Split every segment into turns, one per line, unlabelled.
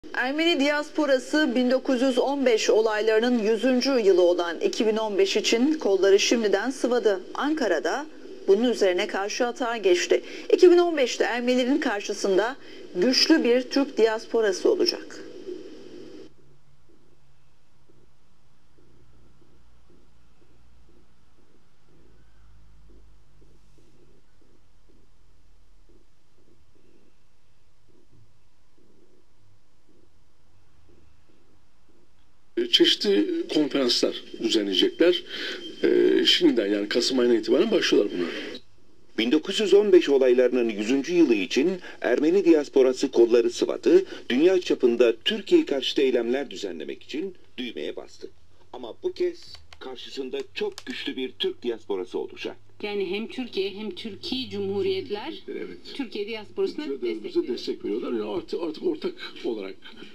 Ermeni diasporası 1915 olaylarının 100. yılı olan 2015 için kolları şimdiden sıvadı. Ankara'da bunun üzerine karşı atağa geçti. 2015'te Ermenilerin karşısında güçlü bir Türk diasporası olacak.
Çeşitli konferanslar düzenleyecekler. Şimdiden yani Kasım ayına itibaren başlıyorlar buna.
1915 olaylarının 100. yılı için Ermeni diasporası kolları sıvadı, dünya çapında Türkiye karşıtı eylemler düzenlemek için düğmeye bastı. Ama bu kez karşısında çok güçlü bir Türk diasporası olacak.
Yani hem Türkiye hem Türkiye Cumhuriyetler Türkiye diasporasına
destek veriyorlar. Yani artık ortak olarak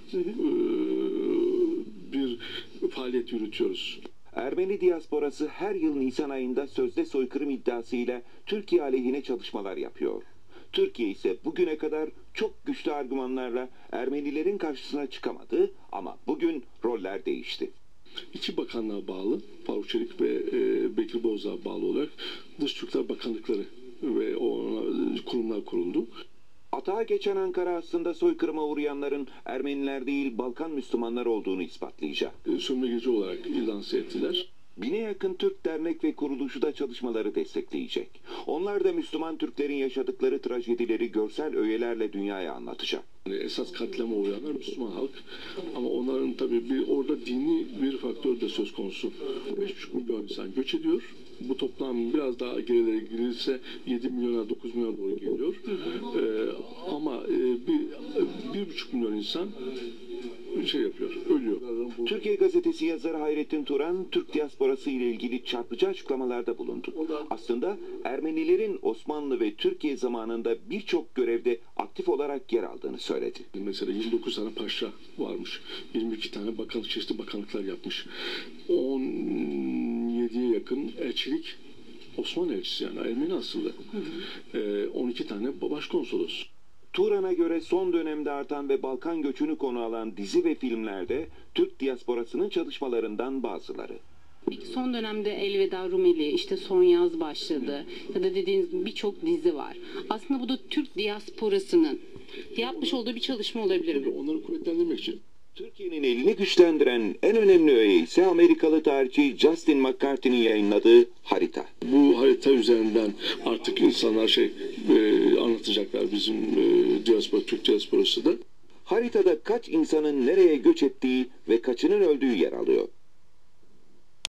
bir faaliyet yürütüyoruz.
Ermeni diasporası her yıl Nisan ayında sözde soykırım iddiasıyla Türkiye aleyhine çalışmalar yapıyor. Türkiye ise bugüne kadar çok güçlü argümanlarla Ermenilerin karşısına çıkamadı ama bugün roller değişti.
İki bakanlığa bağlı, Faruk Çelik ve Bekir Bozdağ'a bağlı olarak Dış Türkler Bakanlıkları ve kurumlar kuruldu.
Atağa geçen Ankara aslında soykırıma uğrayanların Ermeniler değil Balkan Müslümanlar olduğunu ispatlayacak.
Sömürgeci olarak lanse ettiler.
1000'e yakın Türk dernek ve kuruluşu da çalışmaları destekleyecek. Onlar da Müslüman Türklerin yaşadıkları trajedileri görsel öğelerle dünyaya anlatacak.
Yani esas katlama uğrayanlar Müslüman halk ama onların tabii orada dini bir faktör de söz konusu. 5,5 milyon insan göç ediyor. Bu toplam biraz daha gerilere girilirse 7 milyona 9 milyona doğru geliyor. Ama 1,5 milyon insan yapıyor, ölüyor.
Türkiye Gazetesi yazarı Hayrettin Turan, Türk diasporası ile ilgili çarpıcı açıklamalarda bulundu. Aslında Ermenilerin Osmanlı ve Türkiye zamanında birçok görevde aktif olarak yer aldığını söyledi.
Mesela 29 tane paşa varmış, 22 tane çeşitli bakanlıklar yapmış, 17'ye yakın elçilik, Osmanlı elçisi yani Ermeni asıllı, 12 tane başkonsolos.
Turan'a göre son dönemde artan ve Balkan göçünü konu alan dizi ve filmlerde Türk diasporasının çalışmalarından bazıları.
Peki son dönemde Elveda Rumeli, işte Son Yaz başladı ya da dediğiniz birçok dizi var. Aslında bu da Türk diasporasının yapmış olduğu bir çalışma olabilir mi?
Onları kuvvetlendirmek için.
Türkiye'nin elini güçlendiren en önemli öğe ise Amerikalı tarihçi Justin McCarthy'nin yayınladığı harita.
Bu harita üzerinden artık insanlar anlatacaklar bizim Türk diasporası da.
Haritada kaç insanın nereye göç ettiği ve kaçının öldüğü yer alıyor.